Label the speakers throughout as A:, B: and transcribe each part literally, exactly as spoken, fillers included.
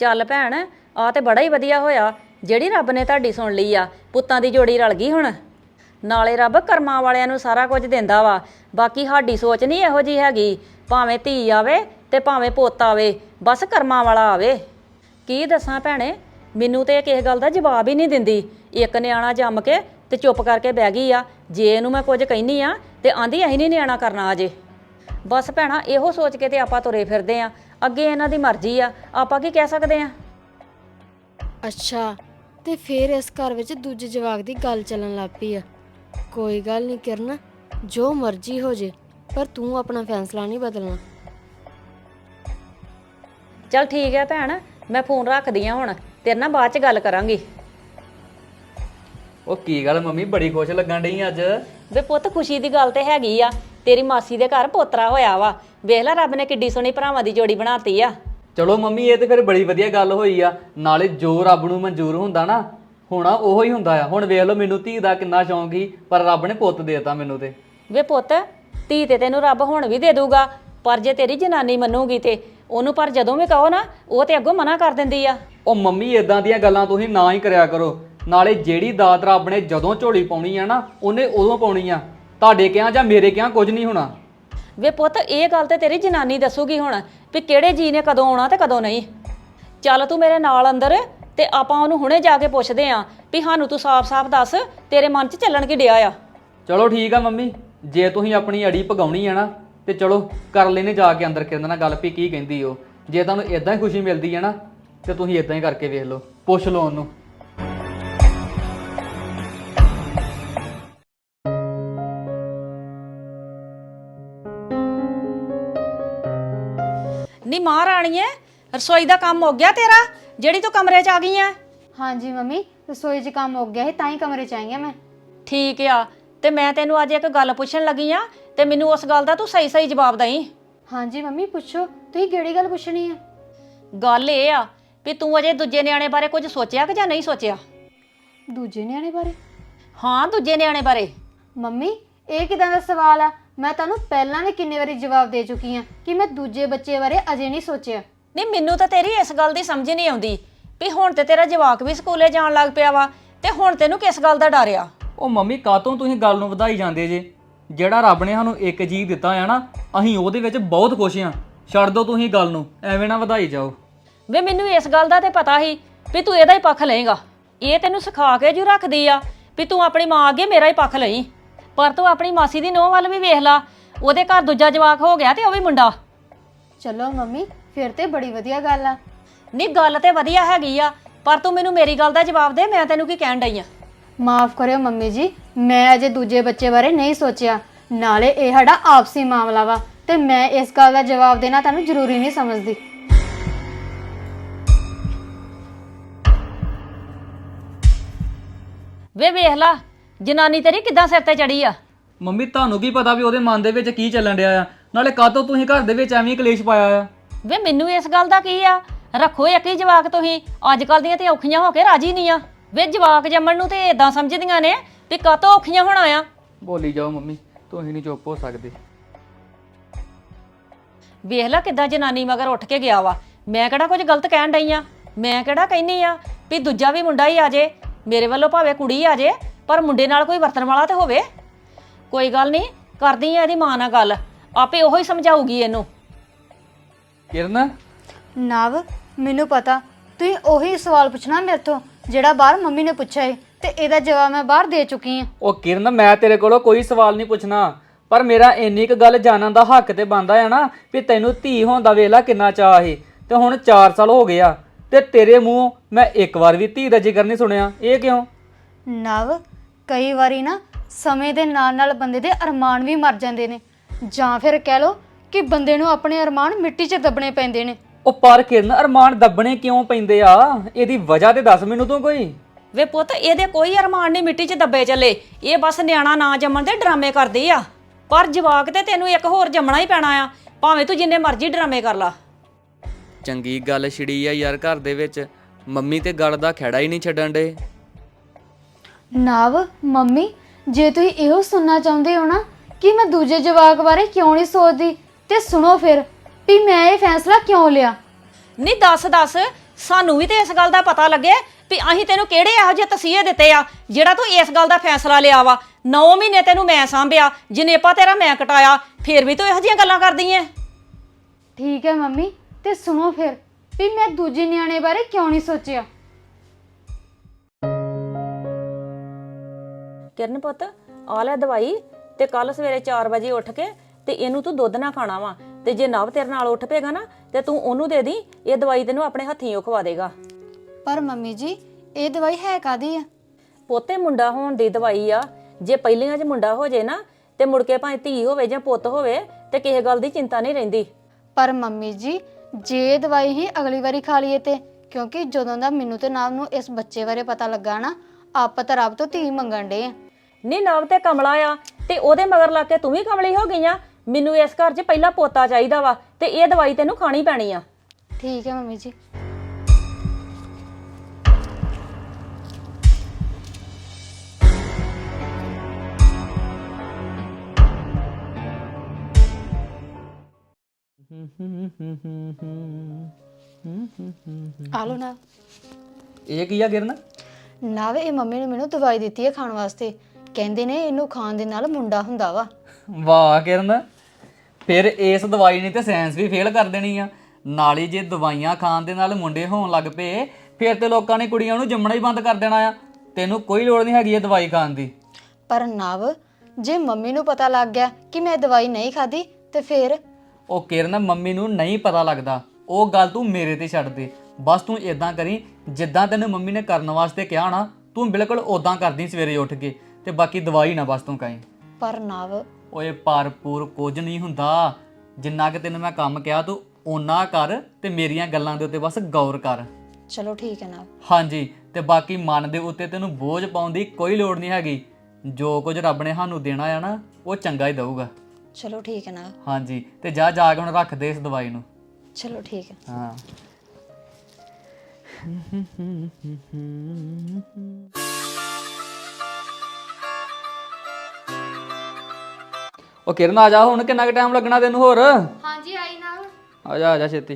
A: ਚੱਲ ਭੈਣ ਆ ਤੇ ਬੜਾ ਹੀ ਵਧੀਆ ਹੋਇਆ ਜਿਹੜੀ ਰੱਬ ਨੇ ਤੁਹਾਡੀ ਸੁਣ ਲਈ ਆ। ਪੁੱਤਾਂ ਦੀ ਜੋੜੀ ਰਲ ਗਈ ਹੁਣ। ਨਾਲੇ ਰੱਬ ਕਰਮਾਂ ਵਾਲਿਆਂ ਨੂੰ ਸਾਰਾ ਕੁਝ ਦਿੰਦਾ ਵਾ। ਬਾਕੀ ਸਾਡੀ ਸੋਚ ਨਹੀਂ ਇਹੋ ਜੀ ਹੈਗੀ, ਭਾਵੇਂ ਧੀ ਆਵੇ ਤੇ ਭਾਵੇਂ ਪੁੱਤ ਆਵੇ, ਬਸ ਕਰਮਾਂ ਵਾਲਾ ਆਵੇ। ਕੀ ਦੱਸਾਂ ਭੈਣੇ, ਮੈਨੂੰ ਤੇ ਕਿਸੇ ਗੱਲ ਦਾ ਜਵਾਬ ਹੀ ਨਹੀਂ ਦਿੰਦੀ। ਇੱਕ ਨਿਆਣਾ ਜੰਮ ਕੇ ਤੇ ਚੁੱਪ ਕਰਕੇ ਬਹਿ ਗਈ ਆ। ਜੇ ਇਹਨੂੰ ਮੈਂ ਕੁਝ ਕਹਿੰਦੀ ਆ ਤੇ ਆਂਦੀ ਅਸੀਂ ਨਹੀਂ ਨਿਆਣਾ ਕਰਨਾ ਅਜੇ। ਬਸ ਭੈਣਾ ਇਹੋ ਸੋਚ ਕੇ ਤੇ ਆਪਾਂ ਤੁਰੇ ਫਿਰਦੇ ਆ। ਅੱਗੇ ਇਹਨਾਂ ਦੀ ਮਰਜ਼ੀ ਆ, ਆਪਾਂ ਕੀ ਕਹਿ ਸਕਦੇ ਆ।
B: ਅੱਛਾ, ਤੇ ਫਿਰ ਇਸ ਘਰ ਵਿੱਚ ਦੂਜੇ ਜਵਾਕ ਦੀ ਗੱਲ ਚੱਲਣ ਲੱਗ ਪਈ ਆ। ਕੋਈ ਗੱਲ ਨਹੀਂ ਕਿਰਨ, ਜੋ ਮਰਜ਼ੀ ਹੋ ਜੇ, ਪਰ ਤੂੰ ਆਪਣਾ ਫੈਸਲਾ ਨਹੀਂ ਬਦਲਣਾ।
A: ਚੱਲ ਠੀਕ ਹੈ ਭੈਣ, ਮੈਂ ਫੋਨ ਰੱਖਦੀ ਆ ਹੁਣ, ਤੇਰੇ ਨਾਲ ਬਾਅਦ ਚ ਗੱਲ ਕਰਾਂਗੀ।
C: ਉਹ ਕੀ ਗੱਲ ਮੰਮੀ ਬੜੀ ਖੁਸ਼ ਲੱਗਣ ਡਈ ਅੱਜ?
A: ਵੇ ਪੁੱਤ ਖੁਸ਼ੀ ਦੀ ਗੱਲ ਤੇ ਹੈਗੀ ਆ, ਤੇਰੀ ਮਾਸੀ ਦੇ ਘਰ ਪੋਤਰਾ ਹੋਇਆ ਵਾ। ਵੇਖ ਲੈ ਰੱਬ ਨੇ ਕਿੱਡੀ ਸੋਹਣੀ ਭਰਾਵਾਂ ਦੀ ਜੋੜੀ ਬਣਾਤੀ ਆ।
C: ਚਲੋ ਮੰਮੀ ਇਹ ਤੇ ਫਿਰ ਬੜੀ ਵਧੀਆ ਗੱਲ ਹੋਈ ਆ। ਨਾਲੇ ਜੋ ਰੱਬ ਨੂੰ ਮਨਜ਼ੂਰ ਹੁੰਦਾ ਨਾ ਹੋਣਾ ਉਹੋ ਹੀ ਹੁੰਦਾ ਆ। ਹੁਣ ਵੇਖ ਲਓ ਮੈਨੂੰ ਧੀ ਦਾ ਕਿੰਨਾ ਸ਼ੌਂਕ ਸੀ, ਪਰ ਰੱਬ ਨੇ ਪੁੱਤ ਦੇਤਾ ਮੈਨੂੰ ਤੇ।
A: ਵੇ ਪੁੱਤ ਧੀ ਤੇ ਤੈਨੂੰ ਰੱਬ ਹੁਣ ਵੀ ਦੇ ਦੂਗਾ, ਪਰ ਜੇ ਤੇਰੀ ਜਨਾਨੀ ਮੰਨੂਗੀ ਤੇ ਉਹਨੂੰ। ਪਰ ਜਦੋਂ ਵੀ ਕਹੋ ਨਾ ਉਹ ਤੇ ਅੱਗੋਂ ਮਨਾ ਕਰ ਦਿੰਦੀ ਆ।
C: ਉਹ ਮੰਮੀ ਇਦਾਂ ਦੀਆਂ ਗੱਲਾਂ ਤੁਸੀਂ ਨਾ ਹੀ ਕਰਿਆ ਕਰੋ। ਨਾਲੇ ਜਿਹੜੀ ਦਾਤ ਰੱਬ ਨੇ ਜਦੋਂ ਝੋਲੀ ਪਾਉਣੀ ਆ ਨਾ ਉਹਨੇ ਉਦੋਂ ਪਾਉਣੀ ਆ। ਤੁਹਾਡੇ ਕਿਹਾ ਜਾਂ ਮੇਰੇ ਕਿਹਾ ਕੁਝ ਨਹੀਂ ਹੋਣਾ।
A: ਵੇ ਪੁੱਤ ਇਹ ਗੱਲ ਤੇ ਤੇਰੀ ਜਨਾਨੀ ਦੱਸੂਗੀ ਹੁਣ ਵੀ ਕਿਹੜੇ ਜੀ ਨੇ ਕਦੋਂ ਆਉਣਾ ਤੇ ਕਦੋਂ ਨਹੀਂ। ਚੱਲ ਤੂੰ ਮੇਰੇ ਨਾਲ ਅੰਦਰ ਤੇ ਆਪਾਂ ਉਹਨੂੰ ਹੁਣੇ ਜਾ ਕੇ ਪੁੱਛਦੇ ਆਂ ਵੀ ਸਾਨੂੰ ਤੂੰ ਸਾਫ਼-ਸਾਫ਼ ਦੱਸ ਤੇਰੇ ਮਨ 'ਚ ਚੱਲਣ ਕੀ ਡਿਆ ਆ।
C: ਚਲੋ ਠੀਕ ਆ ਮੰਮੀ, ਜੇ ਤੁਸੀਂ ਆਪਣੀ ਅੜੀ ਭਗਾਉਣੀ ਆ ਨਾ ਤੇ ਚਲੋ ਕਰ ਲੈਨੇ ਜਾ ਕੇ ਅੰਦਰ ਕਿਰਨ ਨਾਲ ਗੱਲ ਵੀ ਕੀ ਕਹਿੰਦੀ ਉਹ। ਜੇ ਤੁਹਾਨੂੰ ਇਦਾਂ ਹੀ ਖੁਸ਼ੀ ਮਿਲਦੀ ਹੈ ਨਾ ਤੇ ਤੁਸੀਂ ਇਦਾਂ ਹੀ ਕਰਕੇ ਵੇਖ ਲਓ, ਪੁੱਛ ਲਓ ਉਹਨੂੰ।
A: ਨੀ ਮਹਾਰਾਣੀਏ, ਰਸੋਈ ਦਾ ਕੰਮ ਹੋ ਗਿਆ ਤੇਰਾ ਜਿਹੜੀ ਤੂੰ ਕਮਰੇ 'ਚ ਆ ਗਈ ਐ?
B: ਹਾਂਜੀ ਮੰਮੀ, ਰਸੋਈ 'ਚ ਕੰਮ ਹੋ ਗਿਆ ਸੀ ਤਾਂ ਹੀ ਕਮਰੇ 'ਚ ਆਈ ਆ ਮੈਂ।
A: ਠੀਕ ਆ, ਤੇ ਮੈਂ ਤੈਨੂੰ ਅੱਜ ਇੱਕ ਗੱਲ ਪੁੱਛਣ ਲੱਗੀ ਆ ਤੇ ਮੈਨੂੰ ਉਸ ਗੱਲ ਦਾ ਤੂੰ ਸਹੀ ਸਹੀ ਜਵਾਬ ਦੇਈਂ।
B: ਹਾਂਜੀ ਮੰਮੀ ਪੁੱਛੋ, ਤੁਸੀਂ ਕਿਹੜੀ ਗੱਲ ਪੁੱਛਣੀ ਹੈ?
A: ਗੱਲ ਇਹ ਆ ਵੀ ਤੂੰ ਅਜੇ ਦੂਜੇ ਨਿਆਣੇ ਬਾਰੇ ਕੁਝ ਸੋਚਿਆ ਕਿ ਜਾਂ ਨਹੀਂ ਸੋਚਿਆ?
B: ਦੂਜੇ ਨਿਆਣੇ ਬਾਰੇ?
A: ਹਾਂ ਦੂਜੇ ਨਿਆਣੇ ਬਾਰੇ।
B: ਮੰਮੀ ਇਹ ਕਿਦਾਂ ਦਾ ਸਵਾਲ ਆ? ਮੈਂ ਤੁਹਾਨੂੰ ਪਹਿਲਾਂ ਵੀ ਕਿੰਨੇ ਵਾਰੀ ਜਵਾਬ ਦੇ ਚੁੱਕੀ ਆ ਕਿ ਮੈਂ ਦੂਜੇ ਬੱਚੇ ਬਾਰੇ ਅਜੇ ਨਹੀਂ ਸੋਚਿਆ।
A: ਨਹੀਂ ਮੈਨੂੰ ਤਾਂ ਤੇਰੀ ਇਸ ਗੱਲ ਦੀ ਸਮਝ ਨਹੀਂ ਆਉਂਦੀ ਵੀ ਹੁਣ ਤੇ ਤੇਰਾ ਜਵਾਕ ਵੀ ਸਕੂਲੇ ਜਾਣ ਲੱਗ ਪਿਆ ਵਾ ਤੇ ਹੁਣ ਤੈਨੂੰ ਕਿਸ ਗੱਲ ਦਾ ਡਰ ਆ?
C: ਉਹ ਮੰਮੀ ਕਾਹਤੋਂ ਤੁਸੀਂ ਗੱਲ ਨੂੰ ਵਧਾਈ ਜਾਂਦੇ ਜੇ? ਜਿਹੜਾ ਰੱਬ ਨੇ ਸਾਨੂੰ ਇੱਕ ਜੀਵ ਦਿੱਤਾ ਆ ਨਾ ਅਸੀਂ ਉਹਦੇ ਵਿੱਚ ਬਹੁਤ ਖੁਸ਼ ਆ। ਛੱਡ ਦਿਓ ਤੁਸੀਂ ਗੱਲ ਨੂੰ, ਐਵੇਂ ਨਾ ਵਧਾਈ ਜਾਓ।
A: ਵੇ ਮੈਨੂੰ ਇਸ ਗੱਲ ਦਾ ਤੇ ਪਤਾ ਸੀ ਵੀ ਤੂੰ ਇਹਦਾ ਹੀ ਪੱਖ ਲਏਗਾ। ਇਹ ਤੈਨੂੰ ਸਿਖਾ ਕੇ ਜੂ ਰੱਖਦੀ ਆ ਵੀ ਤੂੰ ਆਪਣੀ ਮਾਂ ਅੱਗੇ ਮੇਰਾ ਹੀ ਪੱਖ ਲਈ। ਪਰ ਤੂੰ ਆਪਣੀ ਮਾਸੀ ਦੀ ਨੂੰਹ ਵੱਲ ਵੀ ਵੇਖ ਲਾ, ਉਹਦੇ ਘਰ ਦੂਜਾ ਜਵਾਕ ਹੋ ਗਿਆ ਤੇ ਉਹ ਵੀ ਮੁੰਡਾ।
B: ਚਲੋ ਮੰਮੀ ਫਿਰ ਤੇ ਬੜੀ ਵਧੀਆ ਗੱਲ ਆ।
A: ਨਹੀਂ ਗੱਲ ਤੇ ਵਧੀਆ ਹੈਗੀ ਆ, ਪਰ ਤੂੰ ਮੈਨੂੰ ਮੇਰੀ ਗੱਲ ਦਾ ਜਵਾਬ ਦੇ, ਮੈਂ ਤੈਨੂੰ ਕੀ ਕਹਿਣ ਡਈ ਆ?
B: ਮਾਫ ਕਰਿਓ ਮੰਮੀ ਜੀ, ਮੈਂ ਅਜੇ ਦੂਜੇ ਬੱਚੇ ਬਾਰੇ ਨਹੀਂ ਸੋਚਿਆ। ਨਾਲੇ ਇਹ ਸਾਡਾ ਆਪਸੀ ਮਾਮਲਾ ਵਾ ਤੇ ਮੈਂ ਇਸ ਗੱਲ ਦਾ ਜਵਾਬ ਦੇਣਾ ਤੁਹਾਨੂੰ ਜ਼ਰੂਰੀ ਨਹੀਂ ਸਮਝਦੀ।
A: ਵੇ ਵੇਖ ਲਾ ਜਨਾਨੀ ਤੇਰੀ ਕਿੱਦਾਂ ਸਿਰ ਤੇ ਚੜੀ ਆ।
C: ਮੰਮੀ ਤੁਹਾਨੂੰ ਕੀ ਪਤਾ ਵੀ ਉਹਦੇ ਮਨ ਦੇ ਵਿੱਚ ਕੀ ਚੱਲਣ ਡਿਆ ਆ? ਨਾਲੇ ਕਾਹਤੋਂ ਤੁਸੀਂ ਘਰ ਦੇ ਵਿੱਚ ਐਵੇਂ ਕਲੇਸ਼ ਪਾਇਆ ਆ?
A: ਵੇ ਮੈਨੂੰ ਇਸ ਗੱਲ ਦਾ ਕੀ ਆ? ਰੱਖੋ ਇੱਕ ਹੀ ਜਵਾਕ ਤੁਸੀਂ। ਅੱਜ ਕੱਲ ਦੀਆਂ ਤੇ ਔਖੀਆਂ ਹੋ ਕੇ ਰਾਜੀ ਨਹੀਂ ਆ। ਵੇ ਜਵਾਕ ਜੰਮਣ ਨੂੰ ਤੇ ਇਦਾਂ ਸਮਝਦੀਆਂ ਨੇ ਵੀ ਕਾਹਤੋਂ ਔਖੀਆਂ ਹੋਣਾ ਆ।
C: ਬੋਲੀ ਜਾਓ ਮੰਮੀ, ਤੁਸੀਂ ਨਹੀਂ ਚੁੱਪ ਹੋ ਸਕਦੇ।
A: ਵੇਖ ਲੈ ਕਿੱਦਾਂ ਜਨਾਨੀ ਮਗਰ ਉੱਠ ਕੇ ਗਿਆ ਵਾ। ਮੈਂ ਕਿਹੜਾ ਕੁਝ ਗਲਤ ਕਹਿਣ ਡਈ ਆ? ਮੈਂ ਕਿਹੜਾ ਕਹਿੰਨੀ ਆ ਵੀ ਦੂਜਾ ਵੀ ਮੁੰਡਾ ਹੀ ਆ ਜੇ, ਮੇਰੇ ਵੱਲੋਂ ਭਾਵੇਂ ਕੁੜੀ ਆ ਜੇ, ਪਰ ਮੁੰਡੇ ਨਾਲ ਕੋਈ ਵਰਤਣ ਵਾਲਾ ਤੇ ਹੋਵੇ। ਕੋਈ ਗੱਲ ਨਹੀਂ, ਕਰਦੀ ਆ ਇਹਦੀ ਮਾਂ ਨਾਲ ਗੱਲ, ਆਪੇ ਉਹੋ ਹੀ ਸਮਝਾਊਗੀ ਇਹਨੂੰ।
C: ਕਿਰਨ
B: ਨਵ ਮੈਨੂੰ ਪਤਾ ਤੁਸੀਂ ਉਹੀ ਸਵਾਲ ਪੁੱਛਣਾ ਮੇਰੇ ਤੋਂ ਜਿਹੜਾ ਬਾਹਰ ਮੰਮੀ ਨੇ ਪੁੱਛਿਆ ਏ ਤੇ ਇਹਦਾ ਜਵਾਬ ਮੈਂ ਬਾਹਰ ਦੇ ਚੁੱਕੀ ਆ।
C: ਉਹ ਕਿਰਨ ਮੈਂ ਤੇਰੇ ਕੋਲੋਂ ਕੋਈ ਸਵਾਲ ਨਹੀਂ ਪੁੱਛਣਾ, ਪਰ ਮੇਰਾ ਇੰਨੀ ਕੁ ਗੱਲ ਜਾਣਨ ਦਾ ਹੱਕ ਤੇ ਬਣਦਾ ਆ ਨਾ ਵੀ ਤੈਨੂੰ ਧੀ ਹੋਣ ਦਾ ਵੇਲਾ ਕਿੰਨਾ ਚਾਅ ਸੀ ਤੇ ਹੁਣ ਚਾਰ ਸਾਲ ਹੋ ਗਏ ਆ ਤੇ ਤੇਰੇ ਮੂੰਹੋਂ ਮੈਂ ਇੱਕ ਵਾਰ ਵੀ ਧੀ ਦਾ ਜ਼ਿਕਰ ਨਹੀਂ ਸੁਣਿਆ। ਇਹ ਕਿਉਂ?
B: ਨਵ ਕਈ ਵਾਰੀ ਨਾ ਸਮੇਂ ਦੇ ਨਾਲ ਨਾਲ ਬੰਦੇ ਦੇ ਅਰਮਾਨ ਵੀ ਮਰ ਜਾਂਦੇ ਨੇ, ਜਾਂ ਫਿਰ ਕਹਿ ਲਓ ਕਿ ਬੰਦੇ ਨੂੰ ਆਪਣੇ ਅਰਮਾਨ ਮਿੱਟੀ 'ਚ ਦੱਬਣੇ ਪੈਂਦੇ ਨੇ।
C: ਉਹ ਪਰ ਕਿਰਨ ਅਰਮਾਨ ਦੱਬਣੇ ਕਿਉਂ ਪੈਂਦੇ ਆ? ਇਹਦੀ ਵਜ੍ਹਾ ਤੇ ਦੱਸ ਮੈਨੂੰ ਤੂੰ ਕੋਈ।
A: ਵੇ ਪੁੱਤ ਇਹਦੇ ਕੋਈ ਅਰਮਾਨ ਨਹੀਂ ਮਿੱਟੀ 'ਚ ਦੱਬੇ ਚੱਲੇ। ਇਹ ਬਸ ਨਿਆਣਾ ਨਾ ਜੰਮਣ ਦੇ ਡਰਾਮੇ ਕਰਦੀ ਆ। ਪਰ ਜਵਾਕ ਤੇ ਤੈਨੂੰ ਇੱਕ ਹੋਰ ਜੰਮਣਾ ਹੀ ਪੈਣਾ ਆ, ਭਾਵੇਂ ਤੂੰ ਜਿੰਨੇ ਮਰਜ਼ੀ ਡਰਾਮੇ ਕਰ ਲਾ।
C: ਚੰਗੀ ਗੱਲ ਛਿੜੀ ਆ ਯਾਰ ਘਰ ਦੇ ਵਿੱਚ, ਮੰਮੀ ਤੇ ਗੱਲ ਦਾ ਖਹਿੜਾ ਹੀ ਨਹੀਂ ਛੱਡਣ ਡੇ।
B: ਨਵ ਮੰਮੀ ਜੇ ਤੁਸੀਂ ਇਹੋ ਸੁਣਨਾ ਚਾਹੁੰਦੇ ਹੋ ਨਾ ਕਿ ਮੈਂ ਦੂਜੇ ਜਵਾਕ ਬਾਰੇ ਕਿਉਂ ਨਹੀਂ ਸੋਚਦੀ ਤੇ ਸੁਣੋ ਫਿਰ ਵੀ ਮੈਂ ਇਹ ਫੈਸਲਾ ਕਿਉਂ ਲਿਆ।
A: ਨਹੀਂ ਦੱਸ ਦੱਸ ਸਾਨੂੰ ਵੀ ਤੇ ਇਸ ਗੱਲ ਦਾ ਪਤਾ ਲੱਗੇ ਵੀ ਅਸੀਂ ਤੈਨੂੰ ਕਿਹੜੇ ਇਹੋ ਜਿਹੇ ਤਸੀਹੇ ਦਿੱਤੇ ਆ ਜਿਹੜਾ ਤੂੰ ਇਸ ਗੱਲ ਦਾ ਫੈਸਲਾ ਲਿਆ ਵਾ। ਨੌ ਮਹੀਨੇ ਤੈਨੂੰ ਮੈਂ ਸਾਂਭਿਆ, ਜਨੇਪਾ ਤੇਰਾ ਮੈਂ ਕਟਾਇਆ, ਫੇਰ ਵੀ ਤੂੰ ਇਹੋ ਜਿਹੀਆਂ ਗੱਲਾਂ ਕਰਦੀ ਐ।
D: ਠੀਕ ਹੈ ਮੰਮੀ, ਤੇ ਸੁਣੋ ਫਿਰ ਵੀ ਮੈਂ ਦੂਜੇ ਨਿਆਣੇ ਬਾਰੇ ਕਿਉਂ ਨਹੀਂ ਸੋਚਿਆ।
A: ਕਿਰਨ ਪੁੱਤ ਆ ਲੈ ਦਵਾਈ, ਤੇ ਕੱਲ ਸਵੇਰੇ ਚਾਰ ਵਜੇ ਉੱਠ ਕੇ ਤੇ ਇਹਨੂੰ ਤੂੰ ਦੁੱਧ ਨਾ ਖਾਣਾ ਵਾ, ਤੇ ਜੇ ਨਵ ਤੇਰੇ ਨਾਲ ਉੱਠ ਪਏਗਾ ਨਾ ਤੇ ਤੂੰ ਉਹਨੂੰ ਦੇ ਦੀ, ਇਹ ਦਵਾਈ ਤੈਨੂੰ ਆਪਣੇ ਹੱਥੀਂ ਉਹ ਖਵਾ ਦੇਗਾ।
D: ਪਰ ਮੰਮੀ ਜੀ ਇਹ ਦਵਾਈ ਹੈ ਕਾਦੀ ਆ?
A: ਪੋਤੇ ਮੁੰਡਾ ਹੋਣ ਦੀ ਦਵਾਈ ਆ। ਜੇ ਪਹਿਲੀਆਂ 'ਚ ਮੁੰਡਾ ਹੋ ਜੇ ਨਾ ਤੇ ਮੁੜ ਕੇ ਭਾਵੇਂ ਧੀ ਹੋਵੇ ਜਾਂ ਪੁੱਤ ਹੋਵੇ ਤੇ ਕਿਸੇ ਗੱਲ ਦੀ ਚਿੰਤਾ ਨਹੀਂ ਰਹਿੰਦੀ।
D: ਪਰ ਮੰਮੀ ਜੀ ਜੇ ਦਵਾਈ ਹੀ ਅਗਲੀ ਵਾਰੀ ਖਾ ਲਈਏ ਤੇ, ਕਿਉਂਕਿ ਜਦੋਂ ਦਾ ਮੈਨੂੰ ਤੇ ਨਾਮ ਨੂੰ ਇਸ ਬੱਚੇ ਬਾਰੇ ਪਤਾ ਲੱਗਾ ਨਾ, ਆਪਾਂ ਤਾਂ ਰੱਬ ਤੋਂ ਧੀ ਮੰਗਣ ਡੇ ਆ।
A: ਨੀ ਨਵ ਤੇ ਕਮਲਾ ਆ ਤੇ ਉਹਦੇ ਮਗਰ ਲੱਗ ਕੇ ਤੂੰ ਵੀ ਕਮਲੀ ਹੋ ਗਈ ਆ। ਮੈਨੂੰ ਇਸ ਘਰ 'ਚ ਪਹਿਲਾਂ ਪੋਤਾ ਚਾਹੀਦਾ ਵਾ ਤੇ ਇਹ ਦਵਾਈ ਤੈਨੂੰ ਖਾਣੀ ਪੈਣੀ ਆ।
D: ਠੀਕ ਹੈ ਮੰਮੀ ਜੀ। ਆਲੋ ਨਾ
C: ਇਹ ਕੀ ਆ ਕਿਰਨ?
D: ਨਾਵੇ ਇਹ ਮੰਮੀ ਨੇ ਮੈਨੂੰ ਦਵਾਈ ਦਿੱਤੀ ਹੈ ਖਾਣ ਵਾਸਤੇ, ਕਹਿੰਦੇ ਨੇ ਇਹਨੂੰ ਖਾਣ ਦੇ ਨਾਲ ਮੁੰਡਾ ਹੁੰਦਾ ਵਾ।
C: ਵਾਹ ਕਿਰਨ, ਫਿਰ ਇਸ ਦਵਾਈ ਨੇ ਤੇ ਸਾਇੰਸ ਵੀ ਫੇਲ ਕਰ ਦੇਣੀ ਆ। ਨਾਲੇ ਜੇ ਦਵਾਈਆਂ ਖਾਣ ਦੇ ਨਾਲ ਮੁੰਡੇ ਹੋਣ ਲੱਗ ਪਏ ਫਿਰ ਤੇ ਲੋਕਾਂ ਨੇ ਕੁੜੀਆਂ ਨੂੰ ਜੰਮਣਾ ਹੀ ਬੰਦ ਕਰ ਦੇਣਾ ਆ। ਤੈਨੂੰ ਕੋਈ ਲੋੜ ਨਹੀਂ ਹੈਗੀ ਇਹ ਦਵਾਈ ਖਾਣ ਦੀ।
D: ਪਰ ਨਵ ਜੇ ਮੰਮੀ ਨੂੰ ਪਤਾ ਲੱਗ ਗਿਆ ਕਿ ਮੈਂ ਦਵਾਈ ਨਹੀਂ ਖਾਦੀ ਤੇ ਫਿਰ?
C: ਉਹ ਕਿਰਨ, ਮੰਮੀ ਨੂੰ ਨਹੀਂ ਪਤਾ ਲੱਗਦਾ, ਉਹ ਗੱਲ ਤੂੰ ਮੇਰੇ ਤੇ ਛੱਡ ਦੇ। ਬਸ ਤੂੰ ਇਦਾਂ ਕਰੀ ਜਿੱਦਾਂ ਤੈਨੂੰ ਮੰਮੀ ਨੇ ਕਰਨ ਵਾਸਤੇ ਕਿਹਾ ਨਾ, ਤੂੰ ਬਿਲਕੁਲ ਉਦਾਂ ਕਰਦੀ ਸਵੇਰੇ ਉੱਠ ਕੇ, ਤੇ ਬਾਕੀ ਦਵਾਈ ਨਾ ਬਸ ਤੂੰ ਖਾਈ।
D: ਪਰ ਨਵ
C: ਓਏ ਭਰਪੂਰ ਕੁਝ ਨਹੀਂ ਹੁੰਦਾ। ਜਿੰਨਾ ਕਿ ਤੈਨੂੰ ਮੈਂ ਕੰਮ ਕਿਹਾ ਤੂੰ ਓਨਾ ਕਰ, ਤੇ ਮੇਰੀਆਂ ਗੱਲਾਂ ਦੇ ਉੱਤੇ ਬਸ ਗੌਰ ਕਰ।
D: ਚਲੋ ਠੀਕ ਹੈ ਨਵ।
C: ਹਾਂਜੀ, ਤੇ ਬਾਕੀ ਮਨ ਦੇ ਉੱਤੇ ਤੈਨੂੰ ਬੋਝ ਪਾਉਣ ਦੀ ਕੋਈ ਲੋੜ ਨਹੀਂ ਹੈਗੀ। ਜੋ ਕੁਝ ਰੱਬ ਨੇ ਸਾਨੂੰ ਦੇਣਾ ਆ ਨਾ, ਉਹ ਚੰਗਾ ਹੀ ਦਊਗਾ।
D: ਚਲੋ ਠੀਕ ਹੈ ਨਵ।
C: ਹਾਂਜੀ, ਤੇ ਜਾ ਜਾ ਕੇ ਹੁਣ ਰੱਖ ਦੇ ਇਸ ਦਵਾਈ ਨੂੰ।
D: ਚਲੋ ਠੀਕ ਹੈ।
C: ਹਾਂ। ਉਹ ਕਿਰਨ ਆ ਜਾ, ਹੁਣ ਕਿੰਨਾ ਕੁ ਟਾਈਮ ਲੱਗਣਾ ਤੈਨੂੰ ਹੋਰ?
D: ਹਾਂਜੀ ਆਈ ਨਵ।
C: ਆ ਜਾ ਆ ਜਾ ਛੇਤੀ।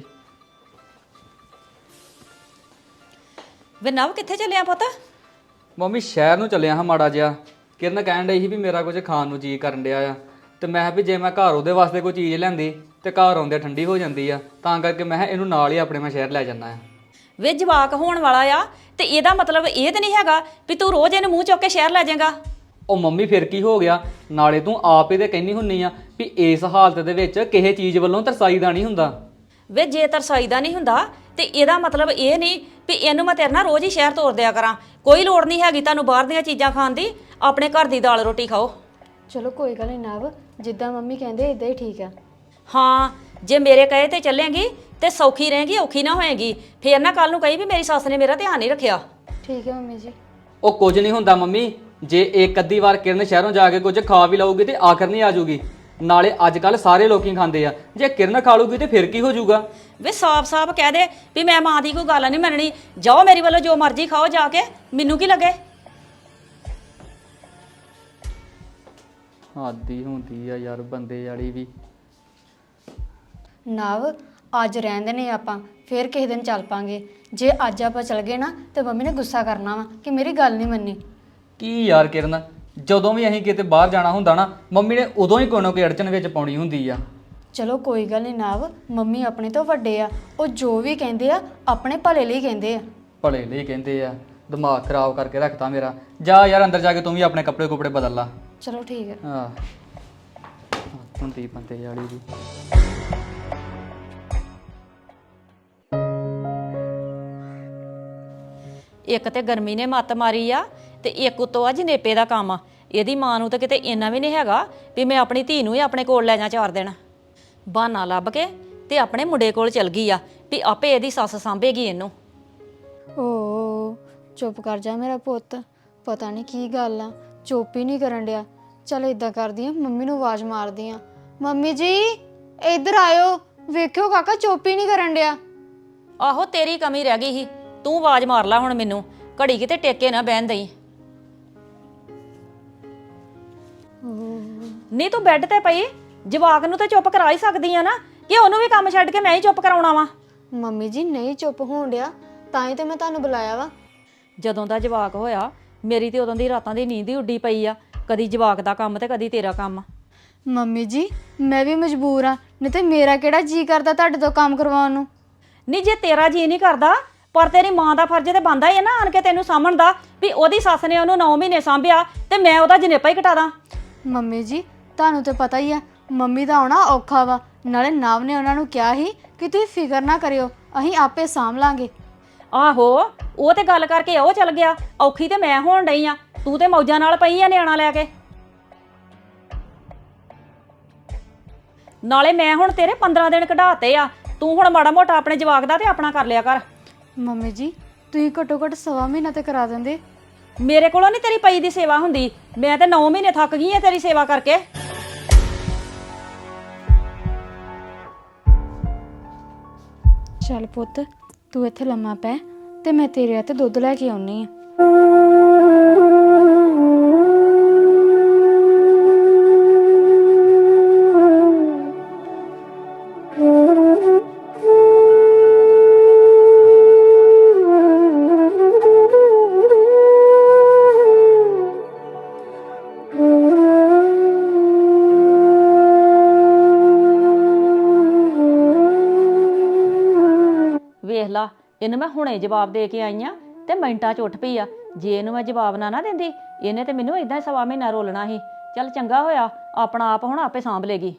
A: ਵੇ ਨਵ ਕਿੱਥੇ ਚੱਲਿਆ ਪੁੱਤ?
C: ਮੰਮੀ ਸ਼ਹਿਰ ਨੂੰ ਚੱਲਿਆ ਹਾਂ ਮਾੜਾ ਜਿਹਾ। ਕਿਰਨ ਕਹਿਣ ਡਈ ਸੀ ਵੀ ਮੇਰਾ ਕੁਝ ਖਾਣ ਨੂੰ ਜੀ ਕਰਨ ਡਿਆ ਆ, ਤੇ ਮੈਂ ਕਿਹਾ ਵੀ ਜੇ ਮੈਂ ਘਰ ਉਹਦੇ ਵਾਸਤੇ ਕੋਈ ਚੀਜ਼ ਲੈਂਦੀ ਤੇ ਘਰ ਆਉਂਦੇ ਠੰਡੀ ਹੋ ਜਾਂਦੀ ਆ, ਤਾਂ ਕਰਕੇ ਮੈਂ ਕਿਹਾ ਇਹਨੂੰ ਨਾਲ ਹੀ ਆਪਣੇ ਮੈਂ ਸ਼ਹਿਰ ਲੈ ਜਾਂਦਾ ਆ।
A: ਵੇ ਜਵਾਕ ਹੋਣ ਵਾਲਾ ਆ ਤੇ ਇਹਦਾ ਮਤਲਬ ਇਹ ਤੇ ਨਹੀਂ ਹੈਗਾ ਵੀ ਤੂੰ ਰੋਜ਼ ਇਹਨੂੰ ਮੂੰਹ ਚੁੱਕ ਕੇ ਸ਼ਹਿਰ ਲੈ ਜਾਏਗਾ।
C: ਉਹ ਮੰਮੀ ਫਿਰ ਕੀ ਹੋ ਗਿਆ? ਨਾਲੇ ਤੂੰ ਆਪ ਹੀ ਤੇ ਕਹਿੰਦੀ ਹੁੰਨੀ ਆ ਵੀ ਇਸ ਹਾਲਤ ਦੇ ਵਿੱਚ ਕਿਸੇ ਚੀਜ਼ ਵੱਲੋਂ ਤਰਸਾਈਦਾ ਨਹੀਂ ਹੁੰਦਾ।
A: ਵੇ ਜੇ ਤਰਸਾਈਦਾ ਨਹੀਂ ਹੁੰਦਾ ਤੇ ਇਹਦਾ ਮਤਲਬ ਇਹ ਨਹੀਂ ਵੀ ਇਹਨੂੰ ਮੈਂ ਤੇਰੇ ਨਾਲ ਰੋਜ਼ ਹੀ ਸ਼ਹਿਰ ਤੋਰ ਦਿਆ ਕਰਾਂ। ਕੋਈ ਲੋੜ ਨਹੀਂ ਹੈਗੀ ਤੁਹਾਨੂੰ ਬਾਹਰ ਦੀਆਂ ਚੀਜ਼ਾਂ ਖਾਣ ਦੀ, ਆਪਣੇ ਘਰ ਦੀ ਦਾਲ ਰੋਟੀ ਖਾਓ।
D: ਚਲੋ ਕੋਈ ਗੱਲ ਨਹੀਂ ਨਵ, ਜਿੱਦਾਂ ਮੰਮੀ ਕਹਿੰਦੇ ਇਦਾਂ ਹੀ ਠੀਕ ਆ।
A: ਹਾਂ, ਜੇ ਮੇਰੇ ਕਹੇ ਤੇ ਚੱਲੇਗੀ ਤੇ ਸੌਖੀ ਰਹੇਗੀ, ਔਖੀ ਨਾ ਹੋਏਗੀ। ਫੇਰ ਨਾ ਕੱਲ ਨੂੰ ਕਹੀ ਵੀ ਮੇਰੀ ਸੱਸ ਨੇ ਮੇਰਾ ਧਿਆਨ ਨਹੀਂ ਰੱਖਿਆ।
D: ਠੀਕ ਹੈ ਮੰਮੀ ਜੀ।
C: ਉਹ ਕੁਝ ਨਹੀਂ ਹੁੰਦਾ ਮੰਮੀ, ਜੇ ਇੱਕ ਅੱਧੀ ਵਾਰ ਕਿਰਨ ਸ਼ਹਿਰੋਂ ਜਾ ਕੇ ਕੁਝ ਖਾ ਵੀ ਲਊਗੀ ਤੇ ਆਖਰ ਨਹੀਂ ਆ ਜਾਊਗੀ। ਨਾਲੇ ਅੱਜ ਕੱਲ ਸਾਰੇ ਲੋਕੀ ਖਾਂਦੇ ਆ, ਜੇ ਕਿਰਨ ਖਾ ਲੂਗੀ ਤੇ ਫਿਰ ਕੀ ਹੋ ਜਾਊਗਾ?
A: ਵੇ ਸਾਫ਼-ਸਾਫ਼ ਕਹਿ ਦੇ ਵੀ ਮੈਂ ਮਾਂ ਦੀ ਕੋਈ ਗੱਲ ਨਹੀਂ ਮੰਨਣੀ, ਜਾਓ ਮੇਰੀ ਵੱਲੋਂ ਜੋ ਮਰਜ਼ੀ ਖਾਓ ਜਾ ਕੇ, ਮੈਨੂੰ ਕੀ ਲੱਗੇ।
C: ਆਦੀ ਹੁੰਦੀ ਆ ਯਾਰ ਬੰਦੇ ਵਾਲੀ ਵੀ।
D: ਨਵ ਅੱਜ ਰਹਿੰਦੇ ਨੇ ਆਪਾਂ, ਫਿਰ ਕਿਸੇ ਦਿਨ ਚੱਲ ਪਾਂਗੇ। ਜੇ ਅੱਜ ਆਪਾਂ ਚਲ ਗਏ ਨਾ ਤੇ ਮੰਮੀ ਨੇ ਗੁੱਸਾ ਕਰਨਾ ਵਾ ਕਿ ਮੇਰੀ ਗੱਲ ਨਹੀਂ ਮੰਨੀ।
C: ਕੀ ਯਾਰ ਕਿਰਨ, ਜਦੋਂ ਵੀ ਅਸੀਂ ਕਿਤੇ ਬਾਹਰ ਜਾਣਾ ਹੁੰਦਾ ਨਾ, ਮੰਮੀ ਨੇ ਉਦੋਂ ਹੀ ਕੋਈ ਨਾ ਕੋਈ ਅੜਚਨ ਵਿੱਚ ਪਾਉਣੀ ਹੁੰਦੀ ਆ।
D: ਚਲੋ ਕੋਈ ਗੱਲ ਨਹੀਂ ਨਵ, ਮੰਮੀ ਆਪਣੇ ਤੋਂ ਵੱਡੇ ਆ, ਉਹ ਜੋ ਵੀ ਕਹਿੰਦੇ ਆ ਆਪਣੇ ਭਲੇ ਲਈ ਕਹਿੰਦੇ ਆ।
C: ਭਲੇ ਲਈ ਕਹਿੰਦੇ ਆ, ਦਿਮਾਗ ਖਰਾਬ ਕਰਕੇ ਰੱਖਤਾ ਮੇਰਾ। ਜਾ ਯਾਰ ਅੰਦਰ ਜਾ ਕੇ ਤੂੰ ਵੀ ਆਪਣੇ ਕੱਪੜੇ ਕੁਪੜੇ ਬਦਲ ਲਾ।
D: ਚਲੋ ਠੀਕ ਹੈ।
C: ਹਾਂ ਹੁੰਦੀ ਬੰਦੇ ਵਾਲੀ ਵੀ।
A: ਇੱਕ ਤੇ ਗਰਮੀ ਨੇ ਮੱਤ ਮਾਰੀ ਆ ਤੇ ਇੱਕ ਉਤੋਂ ਆ ਜਨੇਪੇ ਦਾ ਕੰਮ ਆ। ਇਹਦੀ ਮਾਂ ਨੂੰ ਤਾਂ ਕਿਤੇ ਇੰਨਾ ਵੀ ਨਹੀਂ ਹੈਗਾ ਵੀ ਮੈਂ ਆਪਣੀ ਧੀ ਨੂੰ ਹੀ ਆਪਣੇ ਕੋਲ ਲੈ ਜਾ ਚਾਰ ਦਿਨ। ਬਹਾਨਾ ਲੱਭ ਕੇ ਤੇ ਆਪਣੇ ਮੁੰਡੇ ਕੋਲ ਚਲ ਗਈ ਆ ਵੀ ਆਪੇ ਇਹਦੀ ਸੱਸ ਸਾਂਭੇਗੀ ਇਹਨੂੰ।
D: ਓ ਚੁੱਪ ਕਰ ਜਾ ਮੇਰਾ ਪੁੱਤ, ਪਤਾ ਨਹੀਂ ਕੀ ਗੱਲ ਆ, ਚੁੱਪ ਹੀ ਨਹੀਂ ਕਰਨ ਡਿਆ। ਚਲ ਇਦਾਂ ਕਰਦੀ ਆ, ਮੰਮੀ ਨੂੰ ਆਵਾਜ਼ ਮਾਰਦੀ ਆ। ਮੰਮੀ ਜੀ ਇੱਧਰ ਆਇਓ, ਵੇਖਿਓ ਕਾਕਾ ਚੁੱਪ ਹੀ ਨਹੀਂ ਕਰਨ ਡਿਆ।
A: ਆਹੋ ਤੇਰੀ ਕਮੀ ਰਹਿ ਗਈ ਸੀ, ਤੂੰ ਆਵਾਜ਼ ਮਾਰ ਲੈ ਹੁਣ ਮੈਨੂੰ, ਘੜੀ ਕਿਤੇ ਟੇਕੇ ਨਾ ਬਹਿਣ ਦਈ। ਨਹੀਂ ਤੂੰ ਬੈੱਡ ਤੇ ਪਈ, ਜਵਾਕ ਨੂੰ ਤਾਂ ਚੁੱਪ ਕਰਾ ਹੀ ਸਕਦੀ ਆ ਨਾ, ਕਿ ਉਹਨੂੰ ਵੀ ਕੰਮ ਛੱਡ ਕੇ ਮੈਂ ਹੀ ਚੁੱਪ ਕਰਾਉਣਾ ਵਾ।
D: ਮੰਮੀ ਜੀ ਨਹੀਂ ਚੁੱਪ ਹੋਣ ਡਿਆ, ਤਾਂ ਹੀ ਤੇ ਮੈਂ ਤੁਹਾਨੂੰ ਬੁਲਾਇਆ ਵਾ।
A: ਜਦੋਂ ਦਾ ਜਵਾਕ ਹੋਇਆ ਮੇਰੀ ਤੇ ਉਦੋਂ ਦੀ ਰਾਤਾਂ ਦੀ ਨੀਂਦ ਹੀ ਉੱਡੀ ਪਈ ਆ, ਕਦੀ ਜਵਾਕ ਦਾ ਕੰਮ ਤੇ ਕਦੀ ਤੇਰਾ ਕੰਮ।
D: ਮੰਮੀ ਜੀ ਮੈਂ ਵੀ ਮਜਬੂਰ ਆ, ਨਹੀਂ ਤੇ ਮੇਰਾ ਕਿਹੜਾ ਜੀ ਕਰਦਾ ਤੁਹਾਡੇ ਤੋਂ ਕੰਮ ਕਰਵਾਉਣ ਨੂੰ।
A: ਨਹੀਂ ਜੇ ਤੇਰਾ ਜੀ ਨਹੀਂ ਕਰਦਾ, ਪਰ ਤੇਰੀ ਮਾਂ ਦਾ ਫਰਜ਼ ਤੇ ਬਣਦਾ ਹੀ ਹੈ ਨਾ ਆਣ ਕੇ ਤੈਨੂੰ ਸਾਂਭਣ ਦਾ, ਵੀ ਉਹਦੀ ਸੱਸ ਨੇ ਉਹਨੂੰ ਨੌ ਮਹੀਨੇ ਸਾਂਭਿਆ ਤੇ ਮੈਂ ਉਹਦਾ ਜਨੇਪਾ ਹੀ ਕਟਾ ਦਾਂ।
D: ਮੰਮੀ ਜੀ ਤੁਹਾਨੂੰ ਤੇ ਪਤਾ ਹੀ ਆ ਮੰਮੀ ਦਾ ਆਉਣਾ ਔਖਾ ਵਾ, ਨਾਲੇ ਨਵ ਨੇ ਉਹਨਾਂ ਨੂੰ ਕਿਹਾ ਸੀ ਕਿ ਤੁਸੀਂ ਫਿਕਰ ਨਾ ਕਰਿਓ, ਅਸੀਂ ਆਪੇ ਸਾਂਭ ਲਾਂਗੇ।
A: ਆਹੋ ਉਹ ਤੇ ਗੱਲ ਕਰਕੇ ਉਹ ਚਲ ਗਿਆ, ਔਖੀ ਤੇ ਮੈਂ ਹੋਣ ਡਈ ਆ, ਤੂੰ ਤੇ ਮੌਜਾਂ ਨਾਲ ਪਈ ਆ ਨਿਆਣਾ ਲੈ ਕੇ। ਨਾਲੇ ਮੈਂ ਹੁਣ ਤੇਰੇ ਪੰਦਰਾਂ ਦਿਨ ਕਢਾਤੇ ਆ, ਤੂੰ ਹੁਣ ਮਾੜਾ ਮੋਟਾ ਆਪਣੇ ਜਵਾਕ ਦਾ ਤੇ ਆਪਣਾ ਕਰ ਲਿਆ ਕਰ।
D: ਮੰਮੀ ਜੀ ਤੁਸੀਂ ਘੱਟੋ ਘੱਟ ਸਵਾ ਮਹੀਨਾ ਤੇ ਕਰਾ ਦਿੰਦੇ।
A: ਮੇਰੇ ਕੋਲੋਂ ਨਹੀਂ ਤੇਰੀ ਪਈ ਦੀ ਸੇਵਾ ਹੁੰਦੀ, ਮੈਂ ਤੇ ਨੌ ਮਹੀਨੇ ਥੱਕ ਗਈ ਆ ਤੇਰੀ ਸੇਵਾ ਕਰਕੇ।
D: ਚੱਲ ਪੁੱਤ ਤੂੰ ਇੱਥੇ ਲੰਮਾ ਪੈ ਤੇ ਮੈਂ ਤੇਰੇ ਹੱਥ ਦੁੱਧ ਲੈ ਕੇ ਆਉਣੀ ਆ।
A: ਵੇਖ ਲਾ ਇਹਨੂੰ ਮੈਂ ਹੁਣੇ ਜਵਾਬ ਦੇ ਕੇ ਆਈ ਆ ਤੇ ਮਿੰਟਾਂ 'ਚ ਉੱਠ ਪਈ ਆ। ਜੇ ਇਹਨੂੰ ਮੈਂ ਜਵਾਬ ਨਾ ਨਾ ਦਿੰਦੀ ਇਹਨੇ ਤੇ ਮੈਨੂੰ ਇਦਾਂ ਹੀ ਸਵਾ ਮਹੀਨਾ ਰੋਲਣਾ ਸੀ। ਚੱਲ ਚੰਗਾ ਹੋਇਆ ਆਪਣਾ ਆਪ ਹੁਣ ਆਪੇ ਸਾਂਭ ਲੇਗੀ।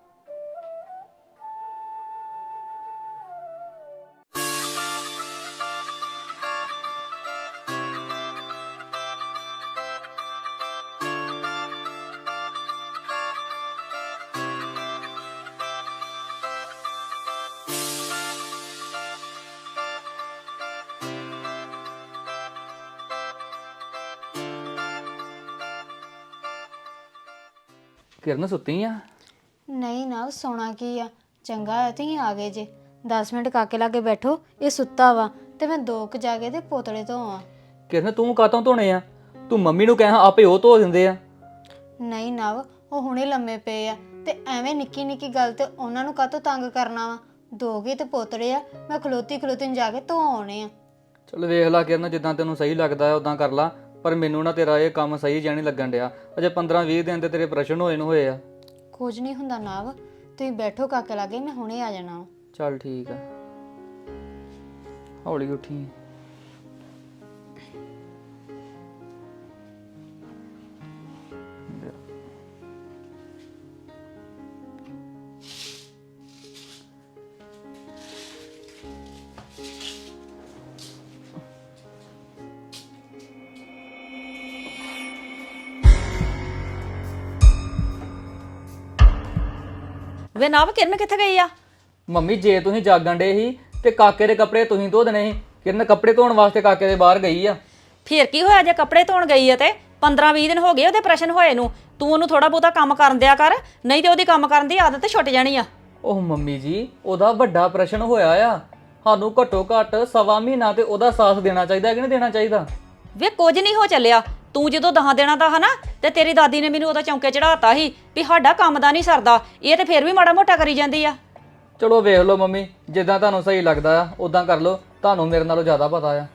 C: ਕਿਰਨ ਸੁੱਤੀ ਆ?
D: ਨਹੀਂ ਨਾ ਸੌਣਾ ਕੀ ਆ, ਚੰਗਾ ਹੋਇਆ ਤੁਸੀਂ ਆ ਗਏ ਜੇ। ਦਸ ਮਿੰਟ ਕਾਕੇ ਲਾਗੇ ਬੈਠੋ, ਇਹ ਸੁੱਤਾ ਵਾ ਤੇ ਮੈਂ ਦੋ ਕੁ ਜਾ ਕੇ ਤੇ ਪੋਤੜੇ ਧੋਵਾਂ।
C: ਕਿਰਨ ਤੂੰ ਕਾਤੋਂ ਧੋਣੇ ਆ? ਤੂੰ ਮੰਮੀ ਨੂੰ ਕਹਿ ਆਪੇ ਉਹ ਧੋ ਦਿੰਦੇ ਆ।
D: ਨਹੀਂ ਨਵ ਉਹ ਹੁਣੇ ਲੰਮੇ ਪਏ ਆ ਤੇ ਐਵੇਂ ਨਿੱਕੀ ਨਿੱਕੀ ਗੱਲ ਤੇ ਉਹਨਾਂ ਨੂੰ ਕਾਹਤੋਂ ਤੰਗ ਕਰਨਾ ਵਾ। ਦੋਗੇ ਤੇ ਪੋਤੜੇ ਆ, ਮੈਂ ਖਲੋਤੀ ਖਲੋਤੀ ਨੂੰ ਜਾ ਕੇ ਧੋ ਆਉਣੇ ਆ।
C: ਚਲ ਵੇਖ ਲਾ ਕਿਰਨ, ਜਿੱਦਾਂ ਤੈਨੂੰ ਸਹੀ ਲੱਗਦਾ ਹੈ ਉਦਾਂ ਕਰ ਲਾ, ਪਰ ਮੈਨੂੰ ਨਾ ਤੇਰਾ ਇਹ ਕੰਮ ਸਹੀ ਜਿਹਾ ਨਹੀਂ ਲੱਗਣ ਡਿਆ। ਅਜੇ ਪੰਦਰਾਂ ਵੀਹ ਦਿਨ ਤੇ ਤੇਰੇ ਪ੍ਰਸ਼ਨ ਹੋਏ ਨੂੰ ਹੋਏ ਆ।
D: ਕੁਝ ਨਹੀਂ ਹੁੰਦਾ ਨਵ, ਤੁਸੀਂ ਬੈਠੋ ਕਾਕੇ ਲਾਗੇ, ਮੈਂ ਹੁਣੇ ਆ ਜਾਣਾ ਵਾ।
C: ਚੱਲ ਠੀਕ ਆ, ਹੌਲੀ ਉੱਠੀ।
A: ਵੇ ਨਵ ਕਿਰਨ ਕਿੱਥੇ ਗਈ ਆ?
C: ਮੰਮੀ ਜੇ ਤੁਸੀਂ ਜਾਗਣ ਡੇ ਸੀ ਤੇ ਕਾਕੇ ਦੇ ਕੱਪੜੇ ਤੁਸੀਂ ਧੋ ਦੇਣੇ ਸੀ। ਕਿਰਨ ਕੱਪੜੇ ਧੋਣ ਵਾਸਤੇ ਕਾਕੇ ਦੇ ਬਾਹਰ ਗਈ ਆ।
A: ਫੇਰ ਕੀ ਹੋਇਆ ਜੇ ਕੱਪੜੇ ਧੋਣ ਗਈ ਆ ਤੇ ਪੰਦਰਾਂ ਵੀਹ ਦਿਨ ਹੋ ਗਏ ਉਹਦੇ ਪ੍ਰਸ਼ਨ ਹੋਏ ਨੂੰ। ਤੂੰ ਉਹਨੂੰ ਥੋੜਾ ਬਹੁਤਾ ਕੰਮ ਕਰਨ ਦਿਆ ਕਰ, ਨਹੀਂ ਤੇ ਉਹਦੀ ਕੰਮ ਕਰਨ ਦੀ ਆਦਤ ਛੁੱਟ ਜਾਣੀ ਆ।
C: ਉਹ ਮੰਮੀ ਜੀ ਉਹਦਾ ਵੱਡਾ ਪ੍ਰਸ਼ਨ ਹੋਇਆ ਆ, ਸਾਨੂੰ ਘੱਟੋ ਘੱਟ ਸਵਾ ਮਹੀਨਾ ਤੇ ਉਹਦਾ ਸਾਥ ਦੇਣਾ ਚਾਹੀਦਾ ਕਿ ਨਹੀਂ ਦੇਣਾ ਚਾਹੀਦਾ?
A: ਵੇ ਕੁਝ ਨਹੀਂ ਹੋ ਚੱਲਿਆ, ਤੂੰ ਜਦੋਂ ਦਹਾਂ ਦੇਣਾ ਦਾ ਹਨਾ ਤੇ ਤੇਰੀ ਦਾਦੀ ਨੇ ਮੈਨੂੰ ਉਹਦਾ ਚੌਂਕੇ ਚੜਾਤਾ ਸੀ ਵੀ ਸਾਡਾ ਕੰਮ ਦਾ ਨਹੀਂ ਸਰਦਾ, ਇਹ ਤੇ ਫੇਰ ਵੀ ਮਾੜਾ ਮੋਟਾ ਕਰੀ ਜਾਂਦੀ ਆ।
C: ਚਲੋ ਵੇਖ ਲਓ ਮੰਮੀ, ਜਿੱਦਾਂ ਤੁਹਾਨੂੰ ਸਹੀ ਲੱਗਦਾ ਆ ਉਦਾਂ ਕਰ ਲਓ, ਤੁਹਾਨੂੰ ਮੇਰੇ ਨਾਲੋਂ ਜ਼ਿਆਦਾ ਪਤਾ ਆ।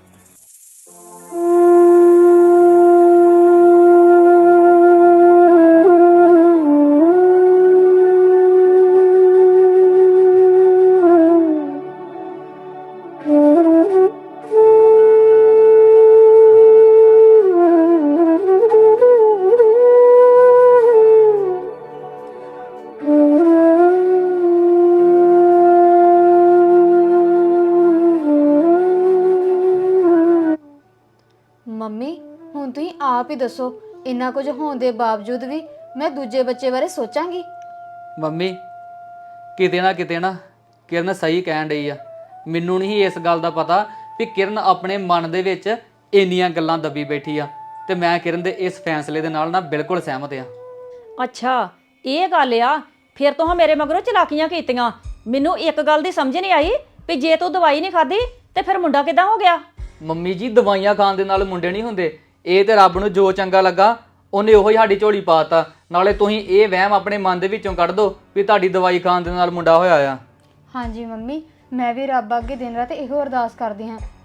D: ਮੰਮੀ ਹੁਣ ਤੁਸੀਂ ਆਪ ਹੀ ਦੱਸੋ, ਇੰਨਾ ਕੁਝ ਹੋਣ ਦੇ ਬਾਵਜੂਦ ਵੀ ਮੈਂ ਦੂਜੇ ਬੱਚੇ ਬਾਰੇ ਸੋਚਾਂਗੀ?
C: ਮੰਮੀ ਕਿਤੇ ਨਾ ਕਿਤੇ ਨਾ ਕਿਰਨ ਸਹੀ ਕਹਿਣ ਡਈ ਆ। ਮੈਨੂੰ ਨਹੀਂ ਇਸ ਗੱਲ ਦਾ ਪਤਾ ਵੀ ਕਿਰਨ ਆਪਣੇ ਮਨ ਦੇ ਵਿੱਚ ਇੰਨੀਆਂ ਗੱਲਾਂ ਦੱਬੀ ਬੈਠੀ ਆ, ਤੇ ਮੈਂ ਕਿਰਨ ਦੇ ਇਸ ਫੈਸਲੇ ਦੇ ਨਾਲ ਨਾ ਬਿਲਕੁਲ ਸਹਿਮਤ ਆ।
A: ਅੱਛਾ ਇਹ ਗੱਲ ਆ, ਫਿਰ ਤੋਂ ਮੇਰੇ ਮਗਰੋਂ ਚਲਾਕੀਆਂ ਕੀਤੀਆਂ। ਮੈਨੂੰ ਇੱਕ ਗੱਲ ਦੀ ਸਮਝ ਨਹੀਂ ਆਈ ਵੀ ਜੇ ਤੂੰ ਦਵਾਈ ਨਹੀਂ ਖਾਧੀ ਤੇ ਫਿਰ ਮੁੰਡਾ ਕਿੱਦਾਂ ਹੋ ਗਿਆ?
C: ਮੰਮੀ ਜੀ ਦਵਾਈਆਂ ਖਾਣ ਦੇ ਨਾਲ ਮੁੰਡੇ ਨਹੀਂ ਹੁੰਦੇ, ਇਹ ਤੇ ਰੱਬ ਨੂੰ ਜੋ ਚੰਗਾ ਲੱਗਾ ਉਹਨੇ ਉਹੀ ਸਾਡੀ ਝੋਲੀ ਪਾਤਾ। ਨਾਲੇ ਤੁਸੀਂ ਇਹ ਵਹਿਮ ਆਪਣੇ ਮਨ ਦੇ ਵਿੱਚੋਂ ਕੱਢ ਦਿਓ ਵੀ ਤੁਹਾਡੀ ਦਵਾਈ ਖਾਣ ਦੇ ਨਾਲ ਮੁੰਡਾ ਹੋਇਆ ਆ।
D: ਹਾਂਜੀ ਮੰਮੀ, ਮੈਂ ਵੀ ਰੱਬ ਅੱਗੇ ਦਿਨ ਰਾਤ ਇਹੋ ਅਰਦਾਸ ਕਰਦੀ ਹਾਂ